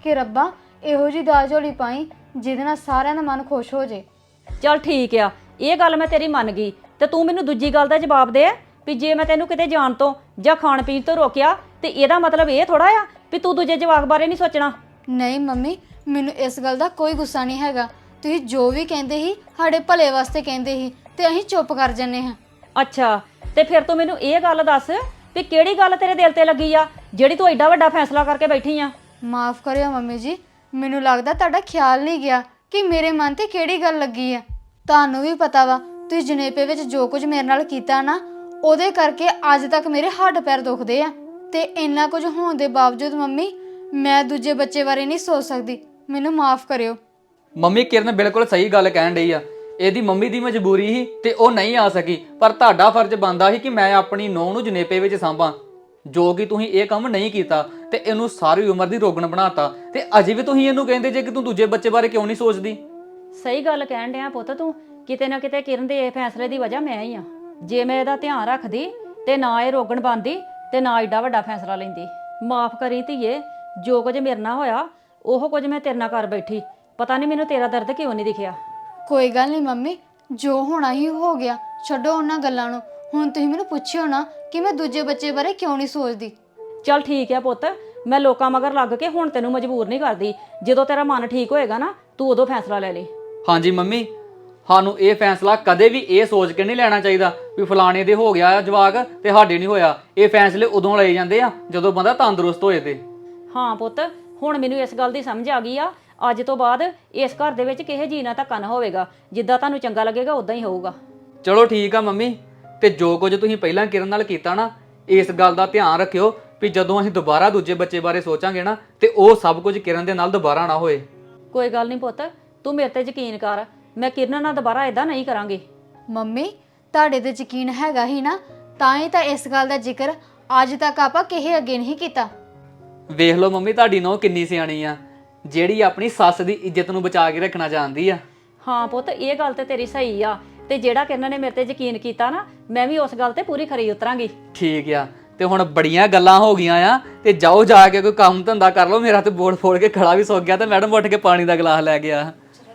D: ਕਿ ਰੱਬਾ ਇਹੋ ਜੀ ਦਾਲ ਝੋਲੀ ਪਾਈ ਜਿਹਦੇ ਨਾਲ ਸਾਰਿਆਂ ਦਾ ਮਨ ਖੁਸ਼ ਹੋ ਜੇ।
A: ਚੱਲ ਠੀਕ ਆ, ਇਹ ਗੱਲ ਮੈਂ ਤੇਰੀ ਮੰਨ ਗਈ। ਤੇ ਤੂੰ ਮੈਨੂੰ ਦੂਜੀ ਗੱਲ ਦਾ ਜਵਾਬ ਦੇ ਵੀ ਜੇ ਮੈਂ ਤੈਨੂੰ ਕਿਤੇ ਜਾਣ ਤੋਂ ਜਾਂ ਖਾਣ ਪੀਣ ਤੋਂ ਰੋਕਿਆ ਤੇ ਇਹਦਾ ਮਤਲਬ ਇਹ ਥੋੜਾ ਆ ਵੀ ਤੂੰ ਦੂਜੇ ਜਵਾਕ ਬਾਰੇ ਨਹੀਂ ਸੋਚਣਾ।
D: ਨਹੀਂ ਮੰਮੀ, ਮੈਨੂੰ ਇਸ ਗੱਲ ਦਾ ਕੋਈ ਗੁੱਸਾ ਨਹੀਂ ਹੈਗਾ। ਤੁਸੀਂ ਜੋ ਵੀ ਕਹਿੰਦੇ ਸੀ ਸਾਡੇ ਭਲੇ ਵਾਸਤੇ ਕਹਿੰਦੇ ਸੀ ਤੇ ਅਸੀਂ ਚੁੱਪ ਕਰ ਜੰਨੇ ਹਾਂ।
A: ਅੱਛਾ, ਤੇ ਫਿਰ ਤੂੰ ਮੈਨੂੰ ਇਹ ਗੱਲ ਦੱਸ ਵੀ ਕਿਹੜੀ ਗੱਲ ਤੇਰੇ ਦਿਲ ਤੇ ਲੱਗੀ ਆ ਜਿਹੜੀ ਤੂੰ ਐਡਾ ਵੱਡਾ ਫੈਸਲਾ ਕਰਕੇ ਬੈਠੀ ਆ।
D: ਮਾਫ ਕਰਿਓ ਮੰਮੀ ਜੀ, ਮੈਨੂੰ ਲੱਗਦਾ ਤੁਹਾਡਾ ਖਿਆਲ ਨਹੀਂ ਗਿਆ ਕਿ ਮੇਰੇ ਮਨ ਤੇ ਕਿਹੜੀ ਗੱਲ ਲੱਗੀ ਆ। ਤੁਹਾਨੂੰ ਵੀ ਪਤਾ ਵਾ ਤੁਸੀਂ ਜਨੇਪੇ ਵਿੱਚ ਜੋ ਕੁਝ ਮੇਰੇ ਨਾਲ ਕੀਤਾ ਨਾ, ਉਹਦੇ ਕਰਕੇ ਅੱਜ ਤੱਕ ਮੇਰੇ ਹੱਡ ਪੈਰ ਦੁਖਦੇ ਆ। ਤੇ ਇੰਨਾ ਕੁਝ ਹੋਣ ਦੇ ਬਾਵਜੂਦ ਮੰਮੀ ਮੈਂ ਦੂਜੇ ਬੱਚੇ ਬਾਰੇ ਨਹੀਂ ਸੋਚ ਸਕਦੀ। ਮੈਨੂੰ ਮਾਫ ਕਰਿਓ।
C: ਮੰਮੀ ਕਿਰਨ ਬਿਲਕੁਲ ਸਹੀ ਗੱਲ ਕਹਿਣ ਡਈ ਆ। ਇਹਦੀ ਮੰਮੀ ਦੀ ਮਜਬੂਰੀ ਸੀ ਤੇ ਉਹ ਨਹੀਂ ਆ ਸਕੀ, ਪਰ ਤੁਹਾਡਾ ਫਰਜ਼ ਬਣਦਾ ਸੀ ਕਿ ਮੈਂ ਆਪਣੀ ਨੂੰਹ ਨੂੰ ਜਨੇਪੇ ਵਿੱਚ ਸਾਂਭਾਂ, ਜੋ ਕਿ ਤੁਸੀਂ ਇਹ ਕੰਮ ਨਹੀਂ ਕੀਤਾ ਤੇ ਇਹਨੂੰ ਸਾਰੀ ਉਮਰ ਦੀ ਰੋਗਣ ਬਣਾਤਾ। ਤੇ ਅਜੇ ਵੀ ਤੁਸੀਂ ਇਹਨੂੰ ਕਹਿੰਦੇ ਜੇ ਕਿ ਤੂੰ ਦੂਜੇ ਬੱਚੇ ਬਾਰੇ ਕਿਉਂ ਨਹੀਂ ਸੋਚਦੀ।
A: ਸਹੀ ਗੱਲ ਕਹਿਣ ਡਿਆ ਪੁੱਤ, ਤੂੰ ਕਿਤੇ ਨਾ ਕਿਤੇ ਕਿਰਨ ਦੇ ਇਹ ਫੈਸਲੇ ਦੀ ਵਜ੍ਹਾ ਮੈਂ ਹੀ ਆ। ਜੇ ਮੈਂ ਇਹਦਾ ਧਿਆਨ ਰੱਖਦੀ ਤੇ ਨਾ ਇਹ ਰੋਗਣ ਬਣਦੀ ਤੇ ਨਾ ਏਡਾ ਵੱਡਾ ਫੈਸਲਾ ਲੈਂਦੀ। ਮਾਫ ਕਰੀ ਧੀਏ, ਜੋ ਕੁਝ ਮੇਰੇ ਨਾਲ ਹੋਇਆ ਉਹ ਕੁਝ ਮੈਂ ਤੇਰੇ ਨਾਲ ਕਰ ਬੈਠੀ। ਪਤਾ ਨਹੀਂ ਮੈਨੂੰ ਤੇਰਾ ਦਰਦ ਕਿਉਂ ਨਹੀਂ ਦਿਖਿਆ।
D: ਕੋਈ ਗੱਲ ਨਹੀਂ ਮੰਮੀ, ਜੋ ਹੋਣਾ ਹੀ ਹੋ ਗਿਆ, ਛੱਡੋ ਉਹਨਾਂ ਗੱਲਾਂ ਨੂੰ। ਹੁਣ ਤੁਸੀਂ ਮੈਨੂੰ ਪੁੱਛਿਓ ਨਾ ਕਿ ਮੈਂ ਦੂਜੇ ਬੱਚੇ ਬਾਰੇ ਕਿਉਂ ਨਹੀਂ ਸੋਚਦੀ।
A: ਚੱਲ ਠੀਕ ਹੈ ਪੁੱਤ, ਮੈਂ ਲੋਕਾਂ ਮਗਰ ਲੱਗ ਕੇ ਹੁਣ ਤੈਨੂੰ ਮਜਬੂਰ ਨਹੀਂ ਕਰਦੀ। ਜਦੋਂ ਤੇਰਾ ਮਨ ਠੀਕ ਹੋਏਗਾ ਨਾ, ਤੂੰ ਉਦੋਂ ਫੈਸਲਾ ਲੈ ਲਈ।
C: ਹਾਂਜੀ ਮੰਮੀ, ਸਾਨੂੰ ਇਹ ਫੈਸਲਾ ਕਦੇ ਵੀ ਇਹ ਸੋਚ ਕੇ ਨਹੀਂ ਲੈਣਾ ਚਾਹੀਦਾ ਵੀ ਫਲਾਣੇ ਦੇ ਹੋ ਗਿਆ ਜਵਾਕ ਤੇ ਸਾਡੇ ਨਹੀਂ ਹੋਇਆ। ਇਹ ਫੈਸਲੇ ਉਦੋਂ ਲਏ ਜਾਂਦੇ ਆ ਜਦੋਂ ਬੰਦਾ ਤੰਦਰੁਸਤ ਹੋਏ ਤੇ।
A: ਹਾਂ ਪੁੱਤ, ਹੁਣ ਮੈਨੂੰ ਇਸ ਗੱਲ ਦੀ ਸਮਝ ਆ ਗਈ ਆ। ਅੱਜ ਤੋਂ ਬਾਅਦ ਇਸ ਘਰ ਦੇ ਵਿੱਚ ਕਿਸੇ ਜੀ ਨਾਲ ਧੱਕਾ ਨਾ ਹੋਵੇਗਾ। ਜਿੱਦਾਂ ਤੁਹਾਨੂੰ ਚੰਗਾ ਲੱਗੇਗਾ ਉਦਾਂ ਹੀ ਹੋਊਗਾ।
C: ਚਲੋ ਠੀਕ ਆ ਮੰਮੀ, ਤੇ ਜੋ ਕੁਝ ਤੁਸੀਂ ਪਹਿਲਾਂ ਕਿਰਨ ਨਾਲ ਕੀਤਾ ਨਾ, ਇਸ ਗੱਲ ਦਾ ਧਿਆਨ ਰੱਖਿਓ ਵੀ ਜਦੋਂ ਅਸੀਂ ਦੁਬਾਰਾ ਦੂਜੇ ਬੱਚੇ ਬਾਰੇ ਸੋਚਾਂਗੇ ਨਾ ਤੇ ਉਹ ਸਭ ਕੁਝ ਕਿਰਨ ਦੇ ਨਾਲ ਦੁਬਾਰਾ ਨਾ ਹੋਏ।
A: ਕੋਈ ਗੱਲ ਨਹੀਂ ਪੁੱਤ, ਤੂੰ ਮੇਰੇ ਤੇ ਯਕੀਨ ਕਰ। ਮੈਂ ਕਿਰਨ ਨਾਲ ਦੁਬਾਰਾ ਇਦਾਂ ਨਹੀਂ ਕਰਾਂਗੀ।
D: ਮੰਮੀ ਤੁਹਾਡੇ ਤੇ ਯਕੀਨ ਹੈਗਾ ਹੀ ਨਾ, ਤਾਂ ਹੀ ਤਾਂ ਇਸ ਗੱਲ ਦਾ ਜ਼ਿਕਰ ਅੱਜ ਤੱਕ ਆਪਾਂ ਕਿਸੇ ਅੱਗੇ ਨਹੀਂ ਕੀਤਾ।
C: ਵੇਖ ਲਓ ਮੰਮੀ, ਤੁਹਾਡੀ ਨੂੰਹ ਕਿੰਨੀ ਸਿਆਣੀ ਆ, ਜਿਹੜੀ ਆਪਣੀ ਸੱਸ ਦੀ ਇੱਜ਼ਤ ਨੂੰ ਬਚਾ ਕੇ ਰੱਖਣਾ ਚਾਹੁੰਦੀ ਆ।
A: ਹਾਂ ਪੁੱਤ, ਇਹ ਗੱਲ ਤੇ ਤੇਰੀ ਸਹੀ ਆ। ਤੇ ਜਿਹੜਾ ਕਿਰਨ ਨੇ ਮੇਰੇ ਤੇ ਯਕੀਨ ਕੀਤਾ ਨਾ, ਮੈਂ ਵੀ ਉਸ ਗੱਲ ਤੇ ਪੂਰੀ ਖਰੀ ਉਤਰਾਂਗੀ।
C: ਠੀਕ ਆ, ਤੇ ਹੁਣ ਬੜੀਆਂ ਗੱਲਾਂ ਹੋ ਗਈਆਂ ਆ, ਤੇ ਜਾਓ ਜਾ ਕੇ ਕੋਈ ਕੰਮ ਧੰਦਾ ਕਰ ਲਓ। ਮੇਰਾ ਤੇ ਬੋਲ ਫੋੜ ਕੇ ਖੜਾ ਵੀ ਸੁੱਕ ਗਿਆ ਤੇ ਮੈਡਮ ਉੱਠ ਕੇ ਪਾਣੀ ਦਾ ਗਲਾਸ ਲੈ ਗਿਆ।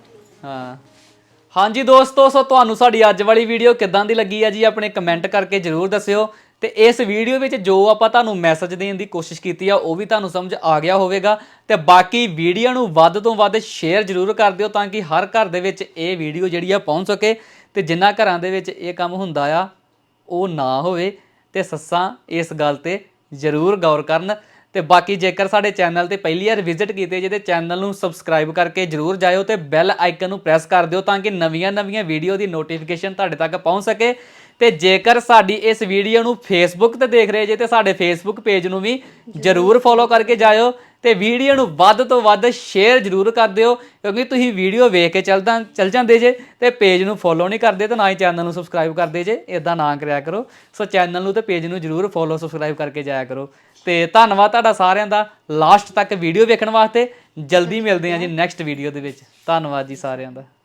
C: ਹਾਂ ਹਾਂਜੀ ਦੋਸਤੋ, ਸੋ ਤੁਹਾਨੂੰ ਸਾਡੀ ਅੱਜ ਵਾਲੀ ਵੀਡੀਓ ਕਿੱਦਾਂ ਦੀ ਲੱਗੀ ਆ ਜੀ, ਆਪਣੇ ਕਮੈਂਟ ਕਰਕੇ ਜ਼ਰੂਰ ਦੱਸਿਓ। ਤੇ ਇਸ ਵੀਡੀਓ ਵਿੱਚ ਜੋ ਆਪਾਂ ਤੁਹਾਨੂੰ ਮੈਸੇਜ ਦੇਣ ਦੀ ਕੋਸ਼ਿਸ਼ ਕੀਤੀ ਆ ਉਹ ਵੀ ਤੁਹਾਨੂੰ ਸਮਝ ਆ ਗਿਆ ਹੋਵੇਗਾ। ਤੇ ਬਾਕੀ ਵੀਡੀਓ ਨੂੰ ਵੱਧ ਤੋਂ ਵੱਧ ਸ਼ੇਅਰ ਜ਼ਰੂਰ ਕਰ ਦਿਓ ਤਾਂ ਕਿ ਹਰ ਘਰ ਦੇ ਵਿੱਚ ਇਹ ਵੀਡੀਓ ਜਿਹੜੀ ਆ ਪਹੁੰਚ ਸਕੇ। ਤੇ ਜਿਨ੍ਹਾਂ ਘਰਾਂ ਦੇ ਵਿੱਚ ਇਹ ਕੰਮ ਹੁੰਦਾ ਆ ਉਹ ਨਾ ਹੋਵੇ, ਤੇ ਸੱਸਾਂ ਇਸ ਗੱਲ ਤੇ ਜ਼ਰੂਰ ਗੌਰ ਕਰਨ। ਤੇ ਬਾਕੀ ਜੇਕਰ ਸਾਡੇ ਚੈਨਲ ਤੇ ਪਹਿਲੀ ਵਾਰ ਵਿਜ਼ਿਟ ਕੀਤੇ ਜੇ ਤੇ ਚੈਨਲ ਨੂੰ ਸਬਸਕ੍ਰਾਈਬ ਕਰਕੇ ਜ਼ਰੂਰ ਜਾਇਓ ਤੇ ਬੈਲ ਆਈਕਨ ਨੂੰ ਪ੍ਰੈਸ ਕਰ ਦਿਓ ਤਾਂ ਕਿ ਨਵੀਆਂ-ਨਵੀਆਂ ਵੀਡੀਓ ਦੀ ਨੋਟੀਫਿਕੇਸ਼ਨ ਤੁਹਾਡੇ ਤੱਕ ਪਹੁੰਚ ਸਕੇ। ਤੇ ਜੇਕਰ ਸਾਡੀ ਇਸ ਵੀਡੀਓ ਨੂੰ ਫੇਸਬੁੱਕ ਤੇ ਦੇਖ ਰਹੇ ਜੇ ਤੇ ਸਾਡੇ ਫੇਸਬੁੱਕ ਪੇਜ ਨੂੰ ਵੀ ਜ਼ਰੂਰ ਫੋਲੋ ਕਰਕੇ ਜਾਇਓ ਤੇ ਵੀਡੀਓ ਨੂੰ ਵੱਧ ਤੋਂ ਵੱਧ ਸ਼ੇਅਰ ਜ਼ਰੂਰ ਕਰ ਦਿਓ, ਕਿਉਂਕਿ ਤੁਸੀਂ ਵੀਡੀਓ ਵੇਖ ਕੇ ਚੱਲਦਾ ਚੱਲ ਜਾਂਦੇ ਜੇ ਤੇ ਪੇਜ ਨੂੰ ਫੋਲੋ ਨਹੀਂ ਕਰਦੇ ਤੇ ਨਾ ਹੀ ਚੈਨਲ ਨੂੰ ਸਬਸਕ੍ਰਾਈਬ ਕਰਦੇ ਜੇ। ਇਦਾਂ ਨਾ ਕਰਿਆ ਕਰੋ। ਸੋ ਚੈਨਲ ਨੂੰ ਤੇ ਪੇਜ ਨੂੰ ਜ਼ਰੂਰ ਫੋਲੋ ਸਬਸਕ੍ਰਾਈਬ ਕਰਕੇ ਜਾਇਆ ਕਰੋ। ਤੇ ਧੰਨਵਾਦ ਤੁਹਾਡਾ ਸਾਰਿਆਂ ਦਾ ਲਾਸਟ ਤੱਕ ਵੀਡੀਓ ਵੇਖਣ ਵਾਸਤੇ। ਜਲਦੀ ਮਿਲਦੇ ਹਾਂ ਜੀ ਨੈਕਸਟ ਵੀਡੀਓ ਦੇ ਵਿੱਚ। ਧੰਨਵਾਦ ਜੀ ਸਾਰਿਆਂ ਦਾ।